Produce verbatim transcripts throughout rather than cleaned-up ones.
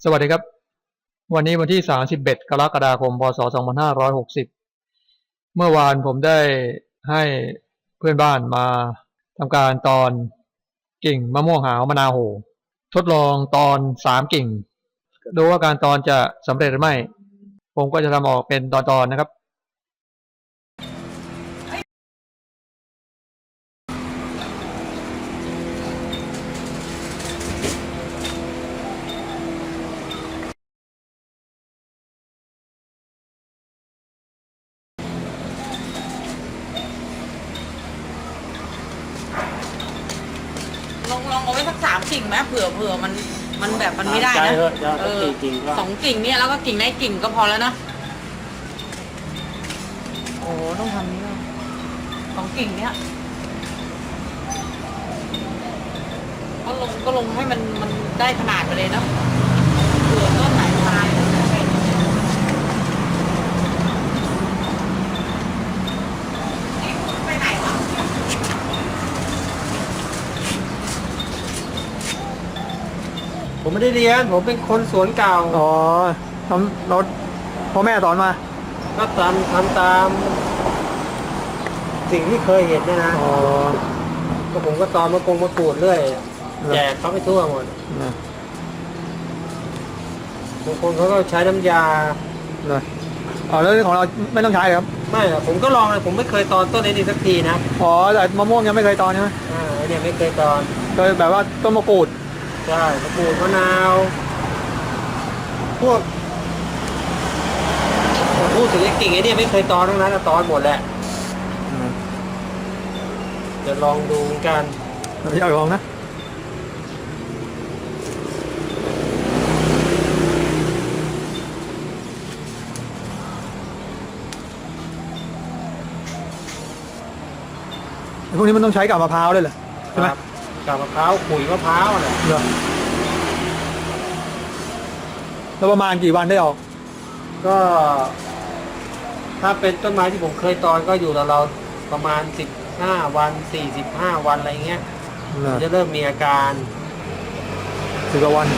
สวัสดีครับวันนี้วันที่สามสิบเอ็ดกรกฎาคมพศสองพันห้าร้อยหกสิบเมื่อวานผมได้ให้เพื่อนบ้านมาทำการตอนกิ่งมะม่วงหาวมะนาวโหทดลองตอนสามกิ่งดูว่าการตอนจะสำเร็จหรือไม่ผมก็จะทำออกเป็นตอนๆนะครับลองลองเอาไว้สักสามกิ่งไหมเผื่อเผื่อมันมันแบบมันไม่ได้นะเออสองกิ่งเนี่ยแล้วก็กิ่งได้กิ่งก็พอแล้วนะโอ้ต้องทำนี้เลยสองกิ่งเนี่ยก็ลงก็ลงให้มันมันได้ขนาดไปเลยเนาะเผื่อต้นไหนตายไปไหนวะผมไม่ได้เรียนผมเป็นคนสวนเก่าอ๋อทำรถพ่อแม่สอนมาก็ตามทำตามสิ่งที่เคยเห็นเนี่ยนะอ๋อก็ผมก็ตอนมากงมากรูดเรื่อยแจกเขาไปทั่วหมดบางคนเขาก็ใช้น้ำยาเลยอ๋อแล้วของเราไม่ต้องใช้ครับไม่หรอกผมก็ลองเลยผมไม่เคยตอนต้นนี้สักทีนะอ๋อแต่มะม่วงยังไม่เคยตอนใช่ไหมอ่าเนี่ยไม่เคยตอนเคยแบบว่าต้นมะกรูดใช่มะกรูดมะนาวพวกพูดถึงไอ้กิ่งไอ้เนี่ยไม่เคยตอนทั้งนั้นตอนหมดแหละจะลองดูกันอยากลองนะพวกนี้มันต้องใช้กับมะพร้าวด้วยเหรอใช่ไหมกับมะพร้าวขุยมะพร้าวอะไรเหรอแล้วประมาณกี่วันได้ออกก็ถ้าเป็นต้นไม้ที่ผมเคยตอนก็อยู่เราเราประมาณสิบห้าวันสี่สิบห้าวันอะไรเงี้ยจะเริ่มมีอาการสิบกว่าวัน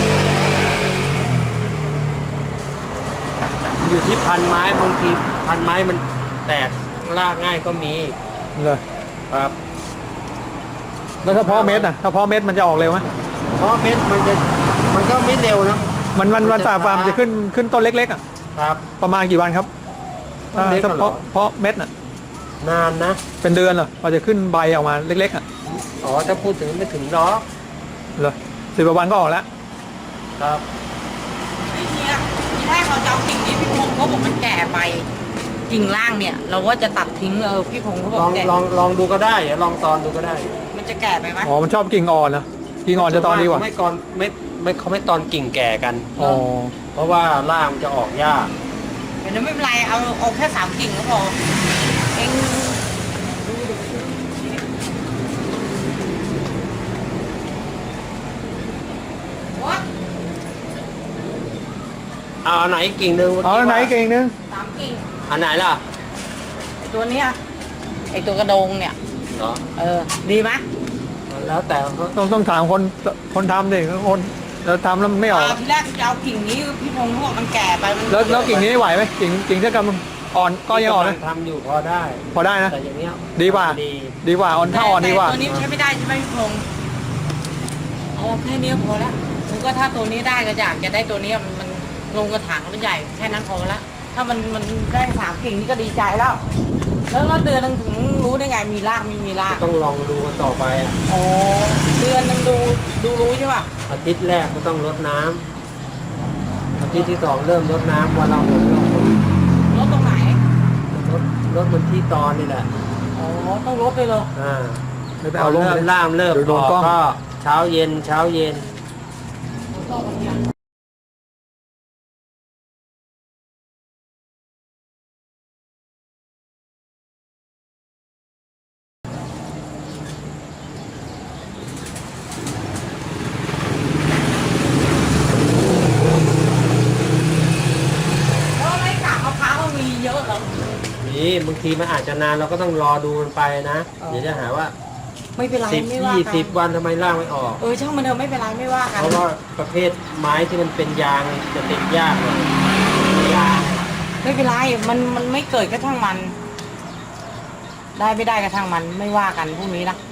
อยู่ที่พันไม้บางทีพันไม้มันแตกรากง่ายก็มีเลยครับแล้วถ้าเพาะเม็ดอ่ะถ้าเพาะเม็ดมันจะออกเร็วไหมเพราะเม็ดมันจะมันก็ไม่เร็วนะมันมันมันตาฟาร์มจะขึ้นขึ้นต้นเล็กๆอ่ะครับประมาณกี่วันครับถ้าเพาะเพาะเม็ดอ่ะนานนะเป็นเดือนเหรอพอจะขึ้นใบออกมาเล็กๆอ่ะอ๋อถ้าพูดถึงไม่ถึงหรอกเหรอสิบกว่าวันก็ออกแล้วครับไอ้เนี่ยที่แรกเราจะเอากิ่งนี้พี่พงศ์เขาบอกมันแก่ไปกิ่งล่างเนี่ยเราว่าจะตัดทิ้งเออพี่พงศ์เขาบอกลองลองลองดูก็ได้เดี๋ยวลองตอนดูก็ได้มันจะแก่ไปไหมอ๋อมันชอบกิ่งอ่อนนะกิ่งอ่อนจะตอนดีกว่าไม่ก่อนไม่ไม่เขาไม่ตอนกิ่งแก่กันอ๋อเพราะว่าล่างมันจะออกยากเดี๋ยวไม่เป็นไรเอาเอาแค่สามกิ่งก็พอเองเอาไหนกิ่งนึงเอาไหนกิ่งนึงสามกิ่งอันไหนล่ะไอตัวเนี้ยไอตัวกระโดงเนี่ยเหรอเออดีไหมแล้วแต่ต้องต้องถามคนคนทำดิคนเราทำแล้วมันไม่ออกทีแรกจะเอากิ่งนี้พี่พงศ์เขาบอกมันแก่ไปแล้วแล้วกิ่งนี้ไหวไหมกิ่งกิ่งที่กำลังอ่อนก็ยังอ่อนนะทำอยู่พอได้พอได้นะแต่อย่างเงี้ยดีกว่าดีกว่าอ่อนถ้าอ่อนดีกว่าตัวนี้ใช้ไม่ได้ใช่ไหมพี่พงศ์เอาแค่นี้พอละแล้วก็ถ้าตัวนี้ได้ก็อยากจะได้ตัวนี้มันลงกระถางมันใหญ่แค่นั้นพอละถ้ามันมันได้สามกิ่งนี่ก็ดีใจแล้วแล้วเราเดือนนึงถึงรู้ได้ไงมีรากไม่มีรากต้องลองดูกันต่อไปอ่ะอ๋อเดือนนึงดูดูรู้ใช่ป่ะอาทิตย์แรกก็ต้องรดน้ำอาทิตย์ที่สองเริ่มรดน้ำวันเราหมดเรารดตรงไหนรดรดมันที่ตอนนี่แหละอ๋อต้องรดไปเลยอ่าไม่ไปเอาเริ่มล่ามเริ่มออกก็เช้าเย็นเช้าเย็นนี่บางทีมันอาจจะนานเราก็ต้องรอดูมันไปนะเดี๋ยวจะหาว่าไม่เป็นไรสิบไม่ว่ายี่กัสิบนวันทำไมล่างไม่ออกเออช่างมันเถอะไม่เป็นไรไม่ว่ากันเพราะว่าประเภทไม้ที่มันเป็นยางจะติดยากเลยยางไม่เป็นไรมันมันไม่เกิดก็ช่างมัน ได้ไม่ได้ก็ช่างมันไม่ว่ากันพวกนี้นะ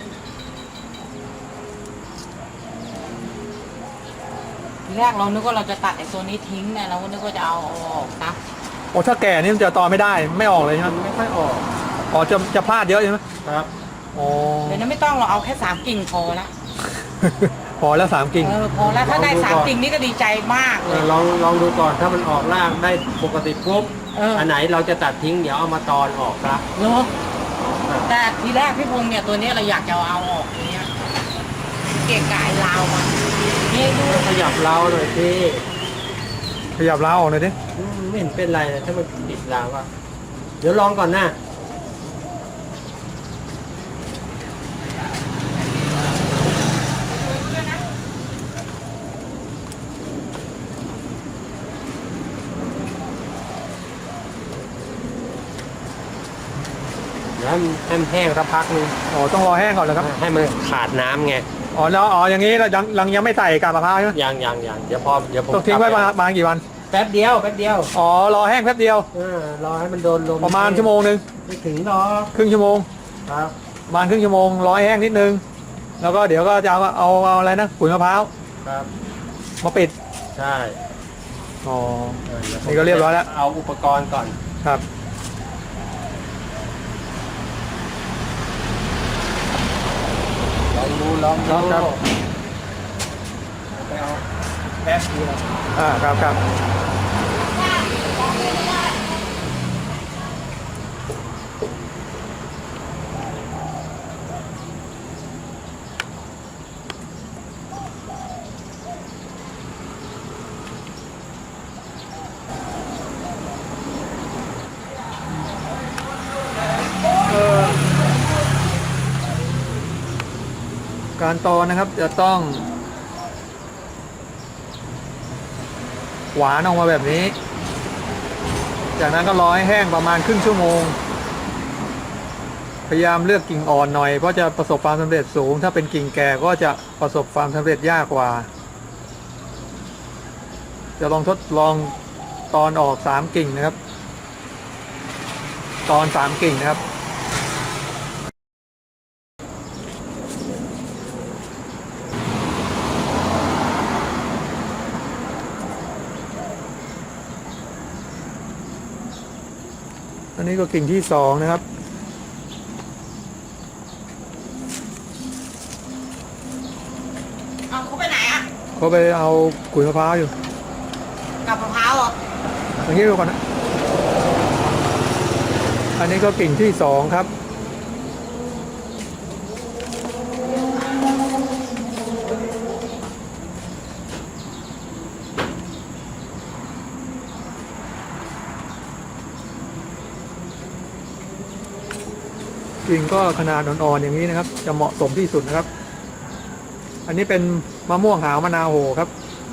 ทีแรกเรานึกว่าเราจะตัดไอ้ตัวนี้ทิ้งเนี่ยเราก็นึกว่าจะเอาออกนะโอ้ถ้าแก่นี่มันจะตอนไม่ได้ไม่ออกเลยใช่ไหมมันไม่ค่อยออกอ๋อจะจะพลาดเยอะใช่ไหมครับอ๋อเดี๋ยวนั้นไม่ต้องเราเอาแค่สามกิ่งพอละพอแล้วสามกิ่งเออพอแล้วถ้าได้ลองดูสามก่อนกิ่งนี่ก็ดีใจมากเอเลอย ลองลองดูก่อนถ้ามันออกล่างได้ปกติปุ๊บเอออัอันไหนเราจะตัดทิ้งเดี๋ยวเอามาตอนออกครับเนาะแต่ทีแรกพี่พงษ์เนี่ยตัวนี้เราอยากจะเอาออกเนี่ยเกะกายลาวมันนี่ดูขยับเราหน่อยสิขยับล้าออกหน่อยดิอืมไม่เห็นเป็นไรเลยถ้ามันติดเราอะเดี๋ยวลองก่อนนะเดี๋ยวให้มันให้มันแห้งสักพักนึงอ๋อต้องรอแห้งก่อนเหรอครับให้มันขาดน้ำไงอ๋อแล้วอ๋ออย่างนี้เรายังยังยังไม่ใส่กาบมะพร้าวใช่ไหมยังยังยังเดี๋ยวพอเดี๋ยวผมต้องทิ้งไว้ประมาณประมาณกี่วันแป๊บเดียวแป๊บเดียวอ๋อรอแห้งแป๊บเดียวเออรอให้มันโดนลมประมาณชั่วโมงหนึ่งไม่ถึงหรอกครึ่งชั่วโมงครับประมาณครึ่งชั่วโมงรอให้แห้งนิดนึงแล้วก็เดี๋ยวก็จะเอาเอาเอาอะไรนะขุยมะพร้าวครับมาปิดใช่อ๋อเออดี๋วผมนี่ก็เรียบร้อยแล้วเอาอุปกรณ์ก่อนครับลองดูลองดูไปเอาแป๊บเดียวอ่าครับครับเอ่อการตอนนะครับจะต้อง หวานออกมาแบบนี้ จากนั้นก็รอให้แห้งประมาณครึ่งชั่วโมง พยายามเลือกกิ่งอ่อนหน่อยเพราะจะประสบความสำเร็จสูง ถ้าเป็นกิ่งแก่ก็จะประสบความสำเร็จยากกว่า จะลองทดลองตอนออกสามกิ่งนะครับ ตอนสามกิ่งนะครับ อันนี้ก็กิ่งที่สองนะครับเอาเขาไปไหนอ่ะเขาไปเอาขุยมะพร้าวอยู่กับมะพร้าวเหรออย่างนี้ดูก่อนนะ อันนี้ก็กิ่งที่สองครับ กิ่งก็ขนาดอ่อนๆอย่างนี้นะครับ จะเหมาะสมที่สุดนะครับ อันนี้เป็นมะม่วงหาวมะนาวโหครับ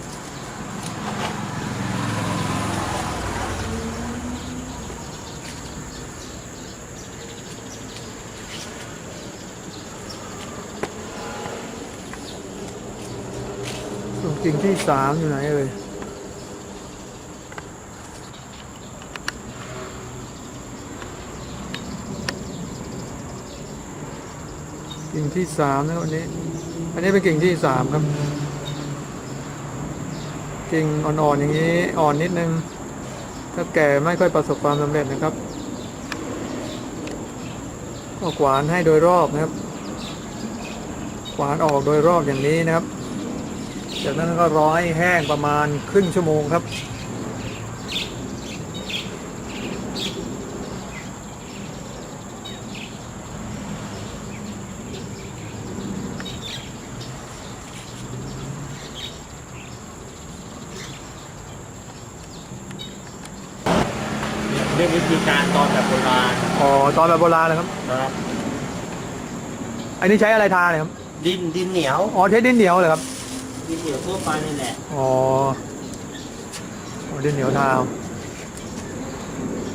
ส่วนกิ่งที่สามอยู่ไหนเอ่ยกิ่งที่สามนะวันนี้ อันนี้เป็นกิ่งที่สามครับ กิ่งอ่อนๆอย่างนี้อ่อนนิดนึง ถ้าแก่ไม่ค่อยประสบความสำเร็จนะครับก็ขวานให้โดยรอบนะครับ ขวานออกโดยรอบอย่างนี้นะครับ จากนั้นก็รอให้แห้งประมาณครึ่งชั่วโมงครับเรียกวิธีการตอนแบบโบราณอ๋อตอนแบบโบราณนะครับนะครับอันนี้ใช้อะไรทาเนี่ยครับดินดินเหนียวอ๋อใช้ดินเหนียวเหรอครับดินเหนียวทั่วไปนี่แหละอ๋ออ๋อดินเหนียวทา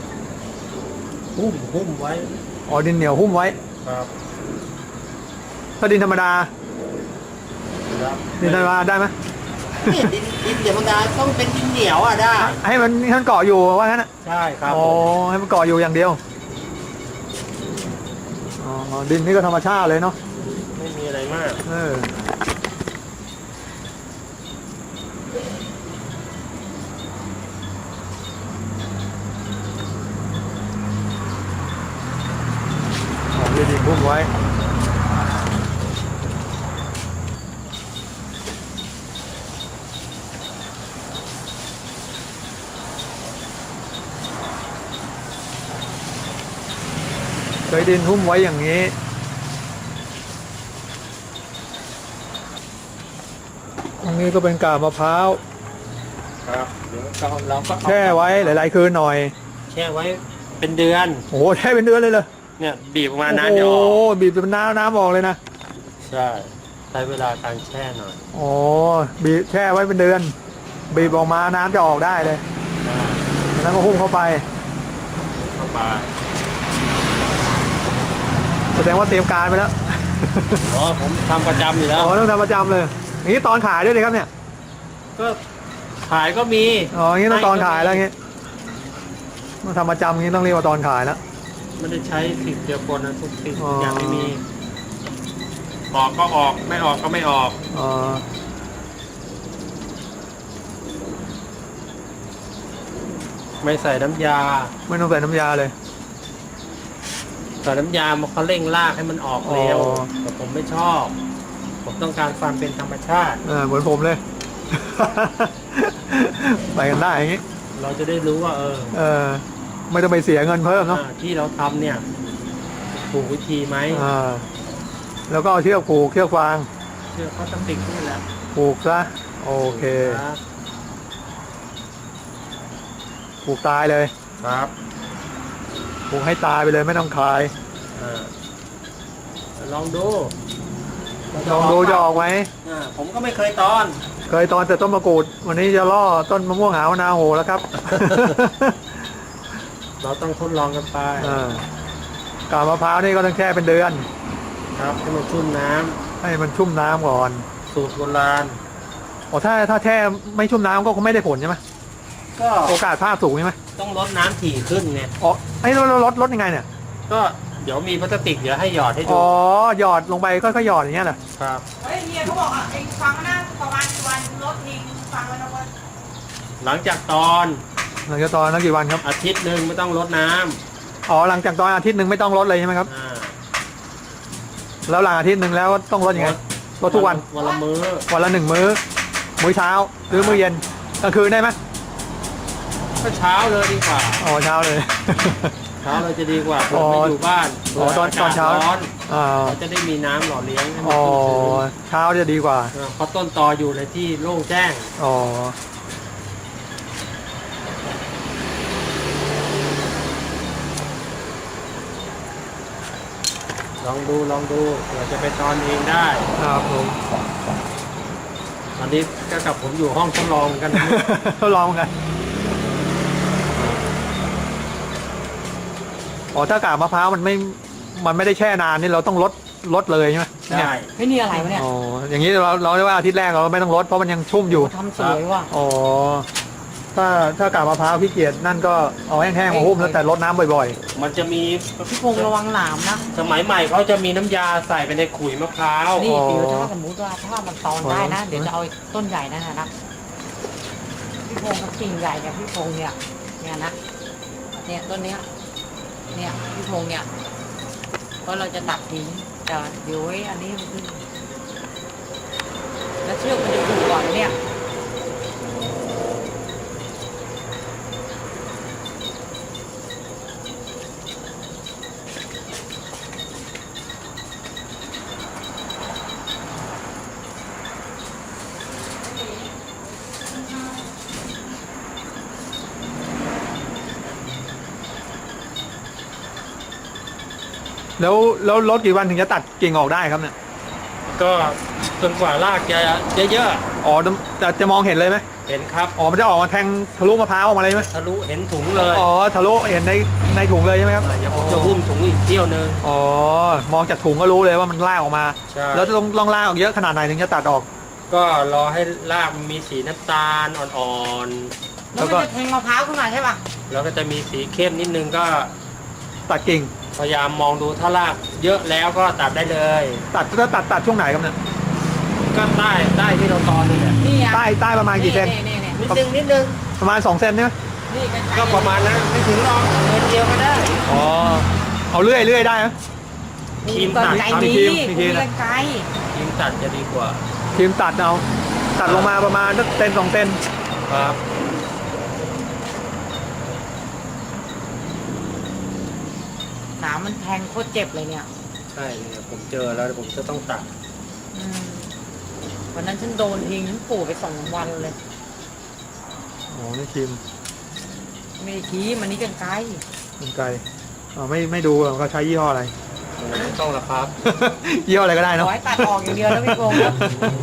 หุ้มหุ้มไว้อ๋อดินเหนียวหุ้มไว้ครับถ้าดินธรรมดาครับดินธรรมดาได้ไหมเนี่ยดินดินธรรมดาต้องเป็นดินเหนียวอ่ะได้ให้มันให้มันเกาะอยู่ว่างั้นนะใช่ครับโอ้ให้มันเกาะอยู่อย่างเดียวอ๋อดินนี่ก็ธรรมชาติเลยเนาะไม่มีอะไรมากเอออ๋อดินดินพุ่มไว้เคยดินหุ้มไว้อย่างนี้ตรงนี้ก็เป็นกาบมะพร้าวครับเดี๋ยวเราเราก็เอาแช่ไว้หลาย ๆ คืนหน่อยแช่ไว้เป็นเดือนโอ้โหแช่เป็นเดือนเลยเลยเนี่ยบีบออกมาน้ำจะอโอ้อกโหบีบเป็นน้ำน้ำออกเลยนะใช่ใช้เวลาการแช่หน่อยโอ้บีบแช่ไว้เป็นเดือน บีบออกมาน้ำจะออกได้เลยได้แล้วก็หุ้มเข้าไปเข้าไปแสดงว่าเตรียมการไปแล้วอ๋อผมทำประจำอยู่แล้วอ๋อต้องทำประจำเลยอย่างนี้ตอนขายด้วยเลยครับเนี่ยก็ขายก็มีอ๋ออย่างนี้ต้องตอนขายแล้วอย่างนี้ต้องทำประจำอย่างนี้ต้องเรียกว่าตอนขายแล้วไม่ได้ใช้สิ่งเดียวกันนะทุกสิ่งอ๋อทุอกอย่างไม่มีออกก็ออกไม่ออกก็ไม่ออกอ๋อไม่ใส่น้ำยาไม่ต้องใส่น้ำยาเลยใส่น้ำยามันเขาเร่งรากให้มันออกเร็วอ๋อแต่ผมไม่ชอบ ผมต้องการความเป็นธรรมชาติเออเหมือนผมเลย ไปกันได้อย่างนี้เราจะได้รู้ว่า เออเออไม่ต้องไปเสียเงินเพิ่มเนาะอ่าที่เราทำเนี่ยถูกวิธีไหมอ่าแล้วก็เอาเชือกผูกเชือกฟางเชื่อเขาต้องติดนี่แหละผูกซะโอเคครับผูกตายเลยครับผูกให้ตายไปเลยไม่ต้องคลายอ่าลองดูลองดูจะออกไหมอ่าผมก็ไม่เคยตอนเคยตอนแต่ต้นมะกรูด วันนี้จะล่อต้นมะม่วงหาวนาโหแล้วครับเราต้องทดลองกันไปอ่ากาบมะพร้าวนี่ก็ต้องแช่เป็นเดือนครับให้มันชุ่มน้ำให้มันชุ่มน้ำก่อนสูตรโบราณอ๋อถ้าถ้าแช่ไม่ชุ่มน้ำก็คงไม่ได้ผลใช่ไหมก็โอกาสพลาดสูงใช่ไหมต้องลดน้ำถี่ขึ้นไงอ๋อไอ้เราเราลดลดยังไงเนี่ยก็เดี๋ยวมีพลาสติกเดี๋ยวให้หยอดให้ดูอ๋อหยอดลงไปค่อยๆหยอดอย่างเงี้ยเหรอครับเฮ้ยเฮียเขาบอกอ่ะเองฟังนะประมาณกี่วันรถทิ้งฟังไว้นะว่าหลังจากตอนหลังจากตอนนั้นกี่วันครับอาทิตย์หนึ่งไม่ต้องลดน้ำอ๋อหลังจากตอนอาทิตย์หนึ่งไม่ต้องลดเลยใช่ไหมครับอ่าแล้วหลังอาทิตย์หนึ่งแล้วต้องลดยังไงลดทุกวันวันละมื้อวันละหนึ่งมื้อ มื้อเช้า หรือมื้อเย็นกลางคืนได้ไหมก็เช้าเลยดีกว่าอ๋อเช้าเลยเช้าเลยจะดีกว่าอ๋เผื่ออไม่อยู่บ้านอ๋อตอนผื่ตอนเช้ากศร้อนอ่าเราจะได้มีน้ำหล่อเลี้ยงให้มันอ๋อชุ่มชื้นเช้าจะดีกว่าเออเพราะต้นตออยู่ในที่โล่งแจ้งอ๋อลองดูลองดูเผื่อจะไปตอนเองได้ครับผมตอนนี้ก็กับผมอยู่ห้องทดลองกันนะทดลองกันอ๋อถ้ากาบมะพร้าวมันไม่ มันไม่ได้แช่นานนี่เราต้องลดลดเลยใช่ไหมเนี่ยได้เฮ้ยนี่อะไรวะเนี่ยอ๋ออย่างนี้เราเราเรียกว่าอาทิตย์แรกเราไม่ต้องลดเพราะมันยังชุ่มอยู่ทำสวยว่ะอ๋อ ถ้าถ้ากาบมะพร้าวพี่เกียรตินั่นก็เอาแห้งๆมาหุ้มแล้วแต่ลดน้ำบ่อยมันจะมีพี่พงษ์ระวังหนามนะสมัยใหม่เขาจะมีน้ำยาใส่ไปในขุยมะพร้าวนี่อ๋อเดี๋ยวถ้าสมมติว่าถ้ามันตอนได้นะ เดี๋ยวจะเอาไอ้ต้นใหญ่นั่นนะนะพี่พงษ์กับกิ่งใหญ่เนี่ยพี่พงษ์เนี่ยเนี่ยนะเนี่ยต้นเนี้ยเนี่ยพี่พงษ์เนี่ยเพราะเราจะตัดทิ้งแต่เดี๋ยวไว้อันนี้มันขึ้นแล้วเชือกมันจะผูกก่อนเนี่ยๆ แล้วแล้วลดกี่วันถึงจะตัดกิ่งออกได้ครับเนี่ยก็จนกว่ารากจะเยอะอ๋อจะจะมองเห็นเลยไหมๆเห็นครับอ๋อมันจะออกมาแทงทะลุมะพร้าวออกมาเลยไหมทะลุเห็นถุงเลยอ๋อทะลุเห็นในในถุงเลยใช่ไหมครับเดี๋ยวผมจะหุ้มถุงอีกเที่ยวนึงอ๋อมองจากถุงก็รู้เลยว่ามันลากออกมาใช่แล้วจะต้องลองลากออกเยอะขนาดไหนถึงจะตัดออกก็รอให้รากมันมีสีน้ำตาลอ่อนแล้วมันจะแทงมะพร้าวขึ้นมาใช่ป่ะๆแล้วก็จะมีสีเข้มนิดนึงก็ตัดกิ่งพยายามมองดูถ้ารากเยอะแล้วก็ตัดได้เลยตัดจะตัดตัดช่วงไหนครับเนี่ยก็ใต้ใต้ที่เราตอนนี่แหละนี่อ่ะใต้ใต้ประมาณกี่เซนนี่นี่นี่นิดนึงนิดนึงประมาณสองเซนใช่ไหมนี่กระจายก็ประมาณนั้นไม่ถึงหรอกเซนเดียวก็ได้อ๋อเอาเลื่อยเลื่อยได้ไหมครีมกรตัดไกรครับดีครีมครีมีมกรรไกรครีมตัดจะดีกว่าทีมตัดเอาตัดลงมาประมาณสักเซนสองเซนครับหนามมันแทงโคตรเจ็บเลยเนี่ยใช่เนี่ยผมเจอแล้วผมจะต้องตัดอืมวันนั้นฉันโดนทิ้งฉันปลูกไปสองวันเลยโอ้นี่ทีมไม่ได้ขี้มันนี่กรรไกรมันไกลอ๋อไม่ไม่ดูเขาใช้ยี่ห้ออะไรไม่ต้องละครับยี่ห้ออะไรก็ได้ขเนาะอให้ตัดออกอย่างเดียวแล้วพี่โกงครับ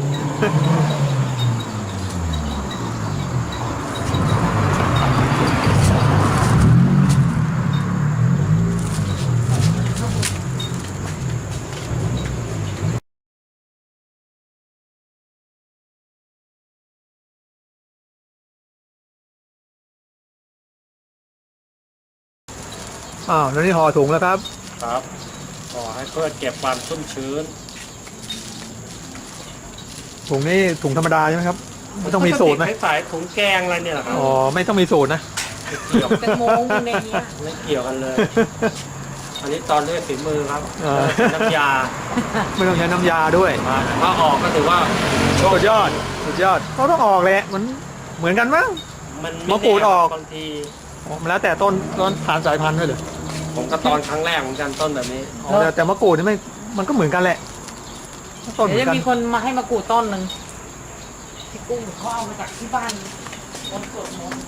อ้าวแล้วนี่ห่อถุงแล้วครับครับขอให้เพื่อเก็บความชุ่มชื้นถุงนี่ถุงธรรมดาใช่ไหมครับไม่ต้องมีสูตรไหมคล้ายๆถุงแกงอะไรเนี่ยเหรอครับอ๋อไม่ต้องมีสูตรนะไม่เกี่ยวแตงโมในเนี้ยไม่เกี่ยวกันเลย อันนี้ตอนด้วยฝีมือครับเออน้ำยาไม่ต้องใช้น้ำยาด้วยมาถ้าออกก็ถือว่าโชคสุดยอดสุดยอดเขาต้องออกแหละมันเหมือนกันมั้งมันมะกรูดออกบางทีอ๋อมันแล้วแต่ต้นต้นผ่านสายพันธุ์ด้วยเหรอผมก็ตอนครั้งแรกเหมือนกันต้นแบบนี้อ๋อแต่แต่มะกรูดนี่ไม่มันก็เหมือนกันแหละต้นเหมืเดี๋ยอวน จะกันมีคนมาให้มากรูดต้นหนึ่งที่กุ้งเขาเอามาจากที่บ้านคนสวดมนต์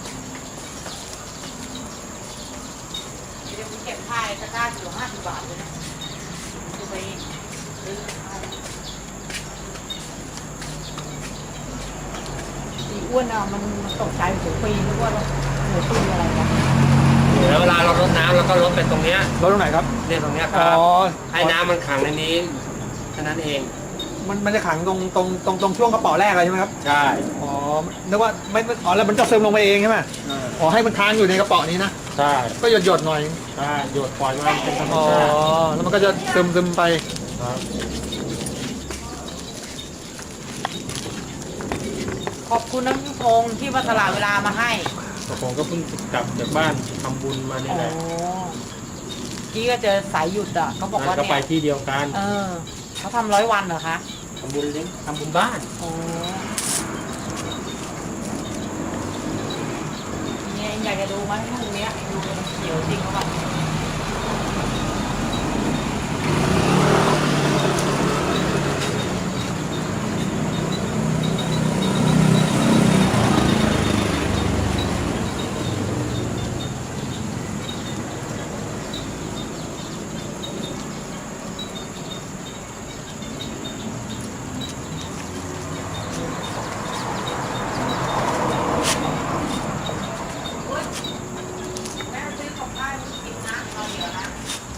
เดี๋ยวผมเก็บผ้าตะกร้าอยู่ห้าสิบบาทเลยนะจะไปซื้อผ้าอีอ้วนอ่ะมันมันตกใจหัวปีนึกว่าหัวปีอะไรกันแล้วเวลาเรารดน้ำเราก็รดเป็นตรงเนี้ยรถตรงไหนครับเนี่ยตรงเนี้ยคอ๋รับอให้น้ำมันขังในนี้แค่นั้นเองมันมันจะขังตรงตรงตรงตรงช่วงกระเป๋าแรกเลยใช่ไหมครับใช่อ๋อนึกว่าไม่ไม่อ๋อแล้วมันจะซึมลงไปเองใช่ไหมอ๋อให้มันค้างอยู่ในกระเป๋านี้นะใช่ก็หยดหยดๆหน่อยใช่หยดปล่อยมันเป็นธรรมอ๋อชาติแล้วมันก็จะซึมซึมไปครับขอบคุณน้ำพงษ์ที่มาสละเวลามาให้แต่ผมก็เพิ่งกลับจากบ้านทำบุญมานี่อ๋อแหละกี้ก็เจอสายหยุดอ่ะเขาบอกว่าก็ไปเนี่ยที่เดียวกันเออเขาทำร้อยวันเหรอคะทำบุญเลี้ยงทำบุญบ้านอ๋อเนี่ยอยากจะดูไหมลูกเนี้ยดูมันเขียวจริงเขาแบบแม่ซื้อของบ้านกินน้ำเราเดี๋ยวนะ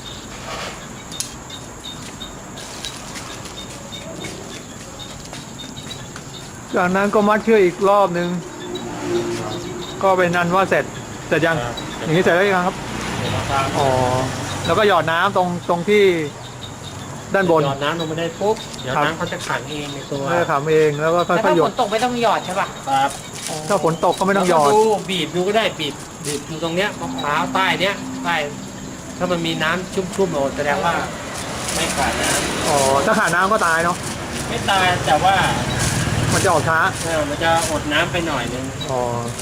จากนั้นก็มัดเชือกอีกรอบหนึ่งก็เป็นอันว่าเสร็จเสร็จยังอย่างนี้เสร็จแล้วยังครับอ๋อแล้วก็หยอดน้ำตรงตรงที่ด้านบนหยอดน้ำลงไปได้ปุ๊บเดี๋ยวครับน้ำเขาจะขังเองในตัวเพื่อทำเองแล้วก็ค่แล้วอยถ้าๆหยฝดนตกไม่ต้องหยอดใช่ป่ะครับถ้าฝนตกก็ไม่ต้องหยอดแล้วก็ดูบีบดูก็ได้บีบบีบอยู่ตรงเนี้ยมะพร้าวใต้เนี้ยใต้ถ้ามันมีน้ำชุ่มๆโอ้แสดงว่าไม่ขาดน้อ๋อถ้าขาดน้ำก็ตายเนาะำไม่ตายแต่ว่ามันจะออกช้าเออมันจะอดน้ำไปหน่อยนึงอ๋อ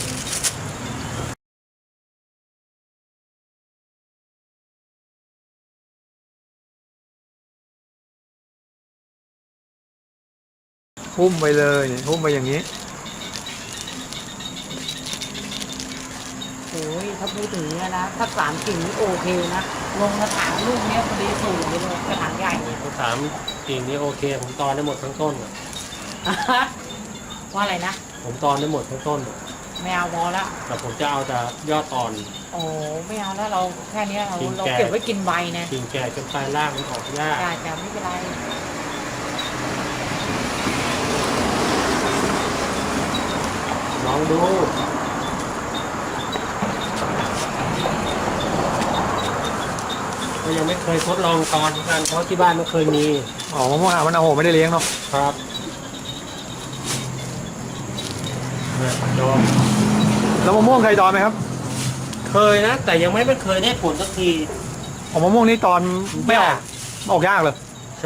หุ้มไปเลยหุ้มไปอย่างนี้โอ้ยถ้าพูดถึงเนี่ยนะถ้าสามกิ่งนี่โอเคนะลงกระถางลูกเนี้ยพอดีสูงเลยกระถางใหญ่เนี่ยผมถามกิ่งนี้โอเค ผมตอนได้หมดทั้งต้นอะว่าอะไรนะผผมตอนได้หมดทั้งต้นไม่เอาพอละแต่ผมจะเอาแต่ยอดตอนโอ้ไม่เอาแล้วเราแค่เนี้ยเรากินเราแก่เก็บไว้กินใบนะกิ่งแก่จนปลายล่างมันออกยากจ้าจ้าไม่เป็นไรลองดูก็ยังไม่เคยทดลองตอนกันเพราะที่บ้านไม่เคยมีอ๋อมะม่วงหาวมันโอ้โหไม่ได้เลี้ยงเนาะครับเนี่ยโยมแล้วมะม่วงเคยตอนไหมครับเคยนะ แต่ยังไม่ไม่เคยได้ผลสักทีอ๋อมะม่วงนี่ตอนไม่ออกออกยากเลยใช่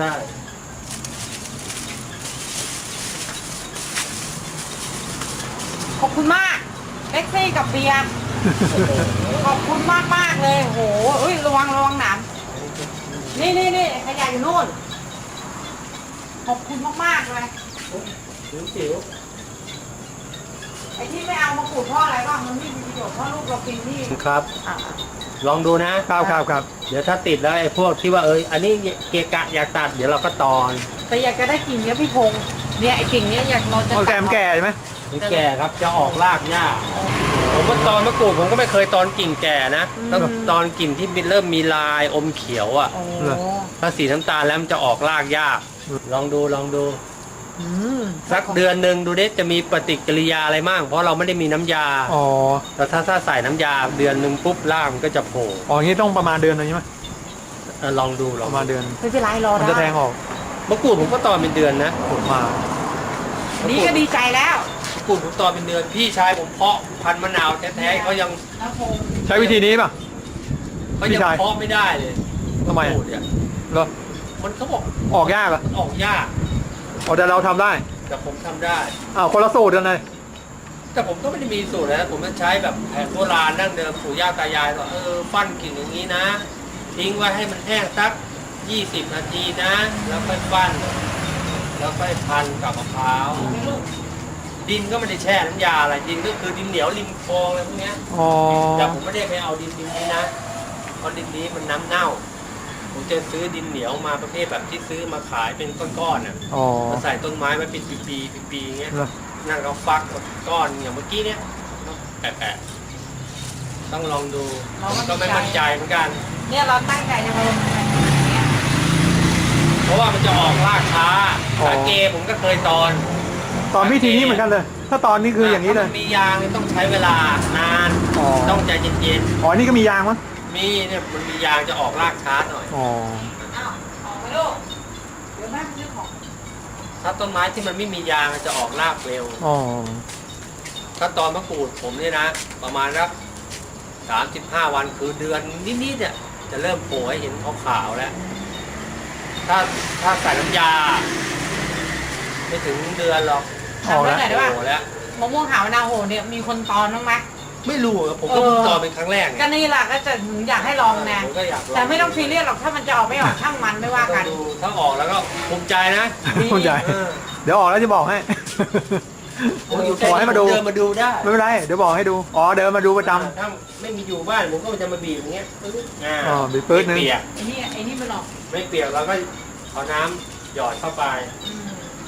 ขอบคุณมากเล็กซี่กับเบียร์ขอบคุณมากมากๆเลยโหเอ้ยระวังระวังหนามนี่นี่นี่ขยะอยู่นู่นขอบคุณมากมากๆเลยจิ๋วจิ๋วไอ้ที่ไม่เอามาขูดเพราะอะไรบ้างมันไม่มีประโยชน์เพราะลูกเรากินที่ครับอ่ะลองดูนะครับครับครับเดี๋ยวถ้าติดแล้วไอ้พวกที่ว่าเอยอันนี้เกะกะอยากตัดเดี๋ยวเราก็ตอนแต่อยากจะได้กิ่งเนี้ยพี่พงษ์เนี่ยไอ้กิ่งเนี้ยอยากเราจะเอาแกมแก่ใช่ไหมมันแก่ครับจะออกรากยากผมก็ตอนมะกรูดผมก็ไม่เคยตอนกิ่งแก่นะต้องตอนกิ่งที่เริ่มมีลายอมเขียวอ่ะโอ้ถ้าสีน้ำตาลแล้วมันจะออกรากยาก ลองดูลองดูอืมสักเดือนหนึ่งดูดิจะมีปฏิกิริยาอะไรมั่งเพราะเราไม่ได้มีน้ำยาอ๋อแต่ถ้าถ้าใส่น้ำยาเดือนหนึ่งปุ๊บรากมันก็จะโผล่อ๋ออย่างนี้ต้องประมาณเดือนหนึงใช่ไหมเออลองดูลปองระมาณเดือนไม่เป็นไรรอมันได้จะแทงออกมะกรูดผมก็ตอนเป็นเดือนนะผลมานี่ก็ดีใจแล้วมะกรูดผมตอนเป็นเดือนพี่ชายผมเพาะพันธุ์มะนาวแท้ๆเขายังแล้วพงษ์ใช้วิธีนี้ป่ะเขาพี่ยังชายเพาะไม่ได้เลยทำไมมะกรูดเนี่ยเหรอมันเขาบอกออกยากเหรอมันออกยากอ๋อแต่เราทำได้แต่ผมทำได้อ้าวคนละสูตรกันเลยแต่ผมก็ไม่ได้มีสูตรนะผมจะใช้แบบแผนโบราณดั้งเดิมปู่ย่าตายายว่าเออปั้นกิ่งอย่างนี้นะ ทิ้งไว้ให้มันแห้งสักยี่สิบนาทีนะ แล้วค่อยปั้น แล้วค่อยพันกับมะพร้าว ดินก็ไม่ได้แช่น้ำยาอะไรดินก็คือดินเหนียวริมคลองอะไรพวกเนี้ยอ๋อแต่ผมไม่ได้ไปเอาดินดินนี้นะเพราะดินนี้มันน้ำเน่า ผมจะซื้อดินเหนียวมาประเภทแบบที่ซื้อมาขายเป็นก้อนๆน่ะอ๋อมาใส่ต้นไม้ไว้เป็นปีๆปีๆอย่างเงี้ยเหรอนั่งเราฟักก้อนอย่างเมื่อกี้เนี้ยแปะๆต้องลองดูผมก็ไม่มั่นใจเหมือนกันเนี่ยเราตั้งใจจะมาลงทุนเนี่ยเพราะว่ามันจะออกรากช้าสาเกผมก็เคยตอนตอนวิธีนี้เหมือนกันเลย ถ้าตอนนี้คืออย่างนี้เลยถ้มันมียางเนี่ยต้องใช้เวลานานอ๋อต้องใจเย็นอ๋อนี่ก็มียางมั้งๆมีเนี่ยมันมียางจะออกรากช้าหน่อยอ๋ออ้าวออกไปลูกเดี๋ยวแม่ไปซื้อของถ้าต้นไม้ที่มันไม่มียางมันจะออกรากเร็วอ๋อถ้าตอนมะกรูดผมเนี่ยนะ ประมาณสักสามสิบห้าวันคือเดือนนิดๆเนี่ยจะเริ่มโผล่ให้เห็นขาวๆแล้ว ถ้าถ้าใส่น้ำยา ไม่ถึงเดือนหรอกออกแล้วทำได้ไหนโผล่แล้วมะม่วงหาวนาโหเนี่ยมีคนตอนบ้างไหมไม่รู้อะผมก็เพิ่งตอนเป็นครั้งแรกไงก็นี่แหละก็จะหนูอยากให้ลองนะผมก็อยากลองแต่ไม่ต้องซีเรียสหรอกถ้ามันจะออกไม่ออกช่างมันไม่ว่าต้อกังนดูถ้าออกแล้วก็ภูมิใจนะภูมิใจเออเดี๋ยวออกแล้วจะบอกให้ผมอยู่ขอให้มาดูเดินมาดูได้ไม่เป็นไร เดี๋ยวบอกให้ดู อ๋อ เดินมาดูประจำถ้าไม่มีอยู่บ้านผมก็จะมาบีบอย่างเงี้ยปึ๊บอ่าอ๋อบีบปึ๊ดนึงไม่เปียกไอ้นี่ไอ้นี่มันออกไม่เปียกเราก็เอาน้ำหยอดเข้าไปอืม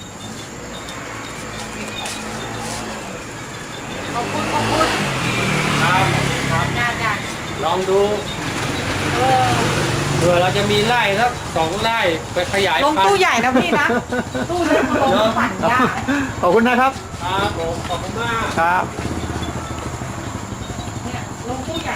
ขอบคุณขอบคุณครับครับจ้าจ้าลองดูเออเผื่อเราจะมีไร่สักสองไร่ไปขยายลงพันตู้ธุ์ใหญ่นะพี่นะ ตู้เล็กมาลงปั่นยากขอบคุณนะครับครับผมขอบคุณมากครับ